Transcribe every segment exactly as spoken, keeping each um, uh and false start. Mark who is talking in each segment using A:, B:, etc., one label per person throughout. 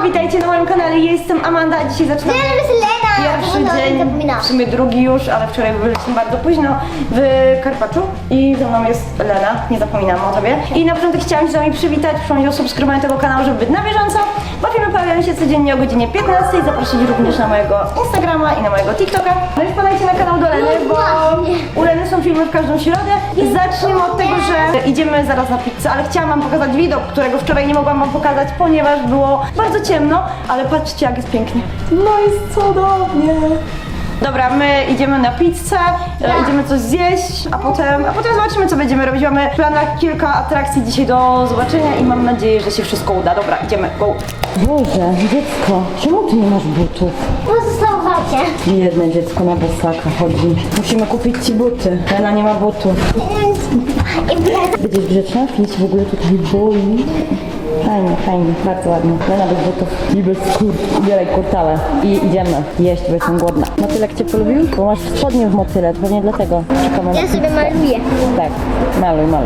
A: witajcie na moim kanale, ja jestem Amanda, a dzisiaj zaczynamy pierwszy dzień, w sumie drugi już, ale wczoraj byliśmy bardzo późno w Karpaczu i ze mną jest Lena, nie zapominam o tobie. I na początek chciałam się z wami przywitać, przypomnieć o subskrybowaniu tego kanału, żeby być na bieżąco, bo filmy pojawiają się codziennie o godzinie piętnastej, zaprosić również na mojego Instagrama i na mojego TikToka. No i wpadajcie na kanał do Leny, bo u Leny są filmy w każdą środę. Zacznijmy od tego, że idziemy zaraz na pizzę, ale chciałam wam pokazać widok, którego wczoraj nie mogłam wam pokazać, ponieważ było bardzo ciemno, ale patrzcie jak jest pięknie. No jest cudownie. Dobra, my idziemy na pizzę, ja. idziemy coś zjeść, a potem, a potem zobaczymy co będziemy robić. Mamy w planach kilka atrakcji dzisiaj do zobaczenia i mam nadzieję, że się wszystko uda. Dobra, idziemy, go! Boże, dziecko, czemu ty nie masz butów?
B: Bo zostało w aucie.
A: Jedne dziecko na bosaka chodzi. Musimy kupić ci buty. Lena nie ma butów. Będziesz grzeczna? Nic w ogóle tutaj boi. Fajnie, fajnie, bardzo ładnie. Lena bez butów i bez kur. Ubieraj kurtałę i idziemy jeść, bo jestem głodna. Motylek cię polubił? Bo masz spodnie w motyle, pewnie dlatego czekamy.
B: Ja sobie maluję.
A: Tak, maluj, maluj.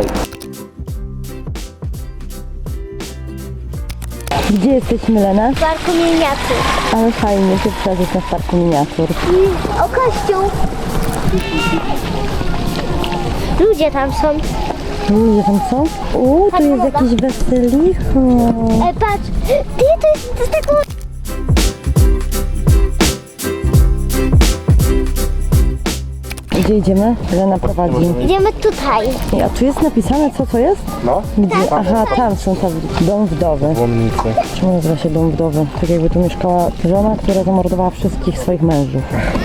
A: Gdzie jesteśmy, Lena?
B: W parku miniatur.
A: Ale fajnie, się przeżyć na parku miniatur.
B: I o kościół. Ludzie tam są.
A: Ludzie tam są? Uuu, tu jest jakieś weselicho.
B: E, patrz, ty, to jest, to jest tak...
A: Gdzie idziemy? Lena prowadzi.
B: Idziemy tutaj.
A: A tu jest napisane co to jest?
C: No,
A: Gdzie? Aha, tam są tablice. Dom wdowy.
C: łomnicy.
A: Czemu nazywa się dom wdowy? Tak jakby tu mieszkała żona, która zamordowała wszystkich swoich mężów.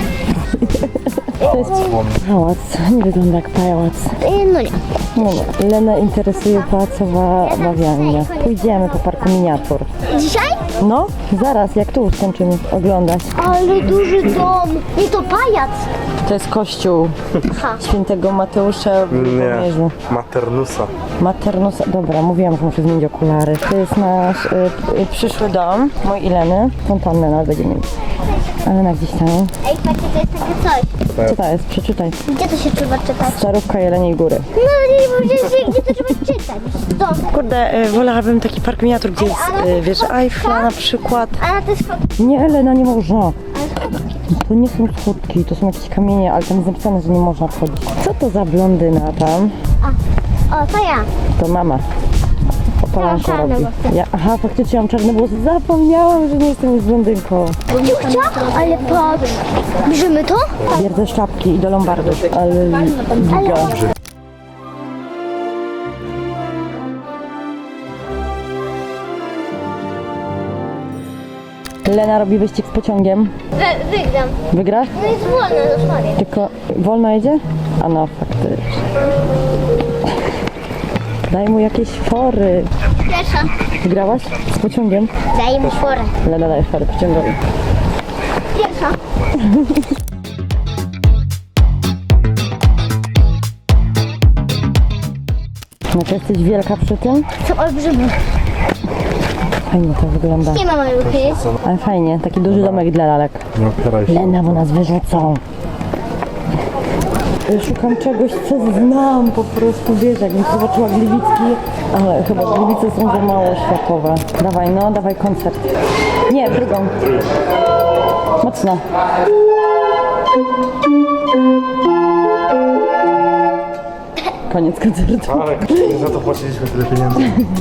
A: To jest pałac. Nie wygląda jak pałac.
B: E, no nie.
A: No nie. Lenę interesuje pałacowa bawialnia. Pójdziemy po parku miniatur.
B: Dzisiaj?
A: No, zaraz, jak tu skończymy oglądać.
B: Ale duży dom. Nie, to pajac.
A: To jest kościół
B: Aha.
A: świętego Mateusza w Lubomierzu.
C: Nie, Maternusa.
A: Maternusa. Dobra, mówiłam, że muszę zmienić okulary. To jest nasz y, y, przyszły dom, mój i Leny. Fontannę nawet będziemy mieli. Ale na gdzieś tam.
B: Ej, patrzcie, to jest takie coś.
A: Co to jest? Przeczytaj.
B: Gdzie to się trzeba czytać?
A: Starówka Jeleniej Góry.
B: No nie powiedzieliście, gdzie to trzeba czytać. Dom.
A: Kurde, y, wolałabym taki park miniatur, gdzie jest y, wiesz, Eiffla na przykład.
B: A na to jest fotki.
A: Nie, Elena, nie można. To nie są schodki, to są jakieś kamienie, ale tam jest napisane, że nie można wchodzić. Co to za blondyna tam?
B: A, o, to ja.
A: To mama. Opalanko
B: czarne
A: robi.
B: włosy.
A: Ja, aha, faktycznie mam czarne włosy. Zapomniałam, że nie jestem już blondynką.
B: Ciuchcia? Ale patrz. Bierzemy to?
A: Bierdzę sztabki i do Lombardu. Ale giga. Lena robi wyścig z pociągiem.
B: Wy, wygram.
A: Wygrasz?
B: No jest wolno, dosłownie.
A: Tylko wolno jedzie? A no, faktycznie. Daj mu jakieś fory.
B: Pierwsza.
A: Wygrałaś z pociągiem?
B: Daj mu porę.
A: Lena daje fory pociągowi.
B: Pierwsza.
A: No to jesteś wielka przy tym?
B: Są olbrzymi.
A: Fajnie to wygląda.
B: Nie ma maluchy.
A: Ale fajnie, taki duży domek dla lalek.
C: Nie opieraj się.
A: Lena, bo nas wyrzucą. Ja szukam czegoś, co znam po prostu, wiesz, jakbym zobaczyła Gliwicki, ale chyba Gliwice są za mało światowe. Dawaj, no, dawaj koncert. Nie, drugą. Mocno. Koniec koncertu.
C: Ale za to płaciliśmy tyle pieniędzy.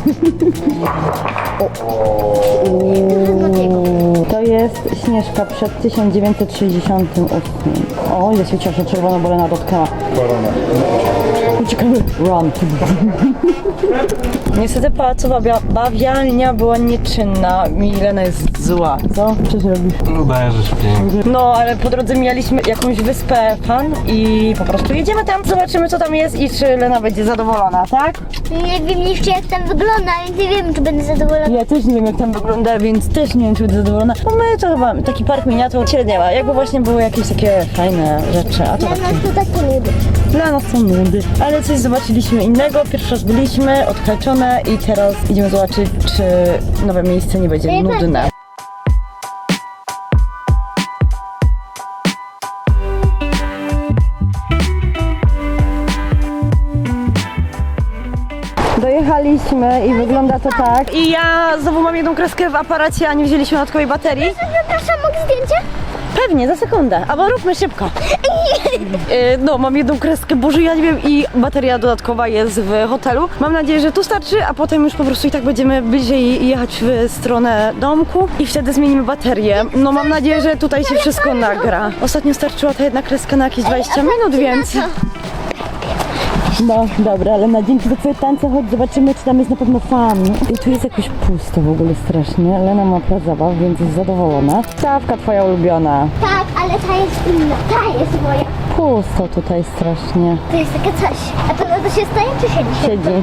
A: To jest Śnieżka przed tysiąc dziewięćset sześćdziesiątym ósmym. O, ja się cieszę, czerwono, bo Lena dotknęła.
C: Korona.
A: Uciekamy. Run. Niestety pałacowa bawialnia była nieczynna. Milena jest zła. Co? Co ty robisz?
C: No daję, że śpię.
A: No, ale po drodze mijaliśmy jakąś wyspę Fan i po prostu jedziemy tam, zobaczymy co tam jest i czy Lena będzie zadowolona, tak?
B: Nie wiem jeszcze jak tam wygląda, więc nie wiem czy będę zadowolona.
A: Ja też nie wiem jak tam wygląda, więc też nie wiem czy będę zadowolona. Bo my to chyba taki park miniatur średnia ma. Jakby właśnie były jakieś takie fajne rzeczy, a to
B: Dla
A: tak
B: nas to takie nudy.
A: dla nas są nudy. Ale coś zobaczyliśmy innego, pierwszy raz byliśmy, odhaczone i teraz idziemy zobaczyć czy nowe miejsce nie będzie nudne. Wylądowaliśmy i wygląda to tak. I ja znowu mam jedną kreskę w aparacie, a nie wzięliśmy dodatkowej baterii.
B: Przepraszam, mogę zdjęcie?
A: Pewnie, za sekundę, albo róbmy szybko. Yy, No, mam jedną kreskę, Boże, ja nie wiem, i bateria dodatkowa jest w hotelu. Mam nadzieję, że tu starczy, a potem już po prostu i tak będziemy bliżej jechać w stronę domku i wtedy zmienimy baterię. No, mam nadzieję, że tutaj się wszystko nagra. Ostatnio starczyła ta jedna kreska na jakieś dwadzieścia minut, więc... No, dobra, ale na dzięki za twoje tańce, chodź zobaczymy, czy tam jest na pewno fan. I tu jest jakoś pusto w ogóle strasznie. Lena ma plac zabaw, więc jest zadowolona. Stawka twoja ulubiona.
B: Tak, ale ta jest inna. Ta jest moja.
A: Pusto tutaj strasznie.
B: To jest takie coś. A to, to się staje czy siedzi?
A: Siedzi.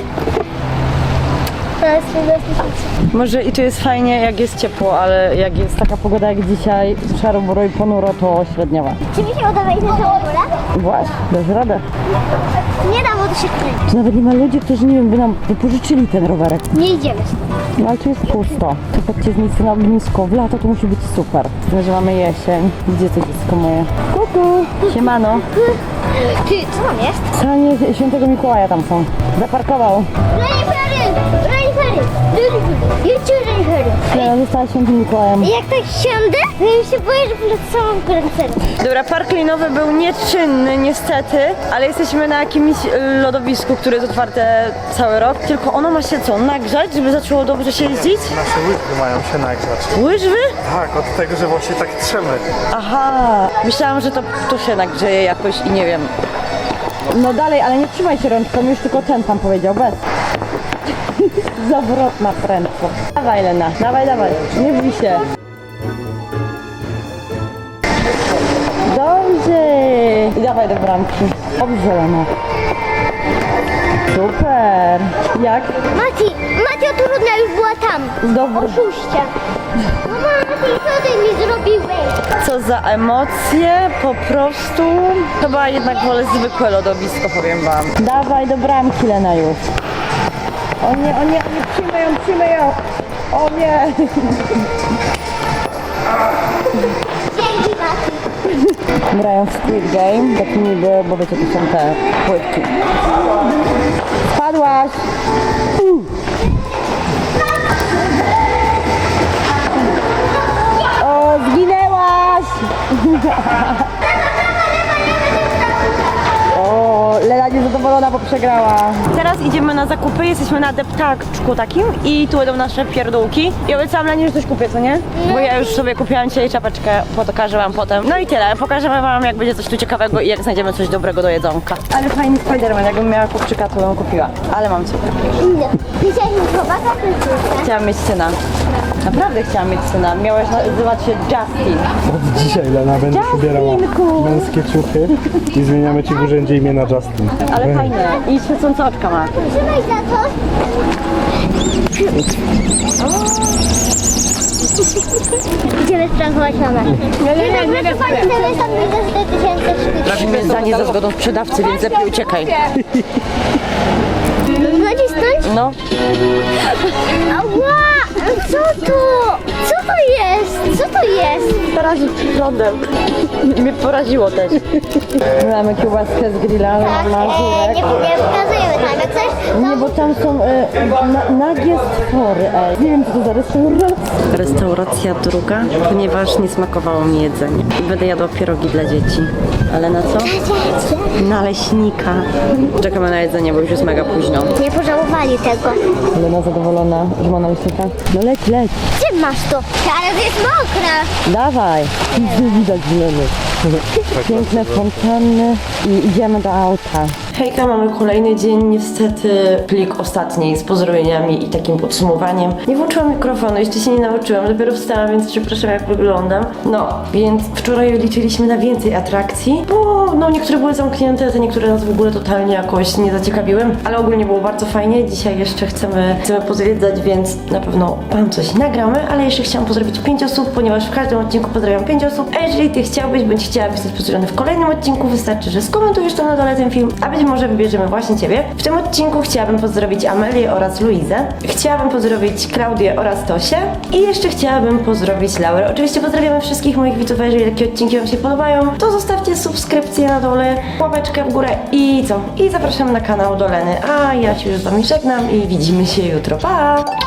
B: To jest, to jest, to jest.
A: Może i tu jest fajnie, jak jest ciepło, ale jak jest taka pogoda jak dzisiaj, szaro, buro i ponuro, to średniowa.
B: Czy mi się uda wejść na tą górę?
A: Właśnie, dasz radę.
B: Nie dam, bo to się kręci.
A: Tu nawet nie ma ludzi, którzy, nie wiem, by nam wypożyczyli ten rowerek.
B: Nie idziemy stąd.
A: No ale tu jest pusto. Tu chodźcie z miejsca na ognisko. W lato to musi być super. Tyle, że mamy jesień. Gdzie to dziecko moje? Kuku! Siemano.
B: Ty, co tam jest?
A: Sanie Świętego Mikołaja tam są. Zaparkował.
B: Renifery! Renifery! Jedźcie renifery!
A: Ja została Świętym Mikołajem.
B: Jak tak siądę, to ja się boję, że polecę samą renifery.
A: Dobra, park linowy był nieczynny niestety, ale jesteśmy na jakimś y, lodowisku, które jest otwarte cały rok. Tylko ono ma się co, nagrzać, żeby zaczęło dobrze się jeździć?
C: Nasze łyżwy mają się nagrzać.
A: Łyżwy?
C: Tak, od tego, że właśnie tak trzemy.
A: Aha, myślałam, że to tu się nagrzeje jakoś i nie wiem. No dalej, ale nie trzymaj się rączką, już tylko ten tam powiedział, bez. Zawrotna prędkość. Dawaj Lena, dawaj, dawaj, nie bój się. Dobrze. I dawaj do bramki. Dobrze Lena. Super. Jak?
B: Mati, Mati, o trudna już była tam.
A: Dobrze.
B: Oszuście. No Mati, co ty mi zrobiłeś?
A: Co za emocje, po prostu. Chyba jednak wolę zwykłe lodowisko, powiem wam. Dawaj do bramki Lena już. O nie, o nie, o nie, przyjmę ją, przyjmę ją. O nie.
B: Dzięki, Mati.
A: Grają w Squid Game, tak niby, bo wiecie, to są te płytki. Spadłaś! Uh. O, zginęłaś! O, Lena niezadowolona, bo przegrała. Teraz idziemy na zakupy, jesteśmy na deptaczku takim i tu będą nasze pierdółki. I obiecałam Lenie, że coś kupię, co nie? Bo ja już sobie kupiłam dzisiaj czapeczkę, pokażę wam potem. No i tyle, pokażemy wam, jak będzie coś tu ciekawego i jak znajdziemy coś dobrego do jedzonka. Ale fajny Spiderman, jakbym miała chłopczyka, to bym kupiła. Ale mam cię.
B: Widziałeś mi chłopaka, czy
A: Chciałam mieć syna. Naprawdę chciałam mieć syna. Miałeś nazywać się Justin.
C: Od dzisiaj Lena będziesz ubierała
A: Justinku.
C: męskie ciuchy i zmieniamy ci w urzędzie imię na Justin.
A: Ale fajne. I świecące oczka ma.
B: Trzymaj za to. Idziemy sprankować mamę. Nie, nie, nie, nie, nie. Chcemy stąd wyjść za cztery tysiące sztuk.
A: Trafimy zdanie za zgodą sprzedawcy, więc lepiej uciekaj.
B: Znacie stąd?
A: No.
B: Ała! Co to? Co to jest? Co to jest?
A: Poraził prądem. Mnie poraziło też. Mamy kiełbaskę z grilla,
B: Tak,
A: na
B: e,
A: żurek.
B: nie, nie pokazujemy tam, jak coś?
A: Nie, bo tam są e, na, nagie stwory, ej. Nie wiem, co to za restauracja. Restauracja druga, ponieważ nie smakowało mi jedzenie. I będę jadła pierogi dla dzieci. Ale na co? Naleśnika. Czekamy na jedzenie, bo już jest mega późno.
B: Nie pożałowali tego.
A: Lena zadowolona, że ma naleśnika. No leć, leć.
B: Gdzie masz to? Ale to jest mokre.
A: Dawaj. Nic nie widać, Leny. Piękne fontanny i idziemy do auta. Hejka, mamy kolejny dzień, niestety plik ostatni z pozdrowieniami i takim podsumowaniem. Nie włączyłam mikrofonu, jeszcze się nie nauczyłam, dopiero wstałam, więc przepraszam jak wyglądam. No, więc wczoraj liczyliśmy na więcej atrakcji, bo no niektóre były zamknięte, te niektóre nas w ogóle totalnie jakoś nie zaciekawiły, ale ogólnie było bardzo fajnie. Dzisiaj jeszcze chcemy, chcemy pozwiedzać, więc na pewno wam coś nagramy, ale jeszcze chciałam pozdrowić pięć osób, ponieważ w każdym odcinku pozdrawiam pięć osób, a jeżeli ty chciałbyś, bądź chciałabyś zostać pozdrowiony w kolejnym odcinku, wystarczy, że skomentujesz to na dole ten film, a będziemy może wybierzemy właśnie Ciebie. W tym odcinku chciałabym pozdrowić Amelię oraz Luizę. Chciałabym pozdrowić Klaudię oraz Tosię. I jeszcze chciałabym pozdrowić Laurę. Oczywiście pozdrawiamy wszystkich moich widzów, a jeżeli takie odcinki Wam się podobają, to zostawcie subskrypcję na dole, łapeczkę w górę i co? I zapraszam na kanał do Leny. A ja się już z Wami żegnam i widzimy się jutro. Pa!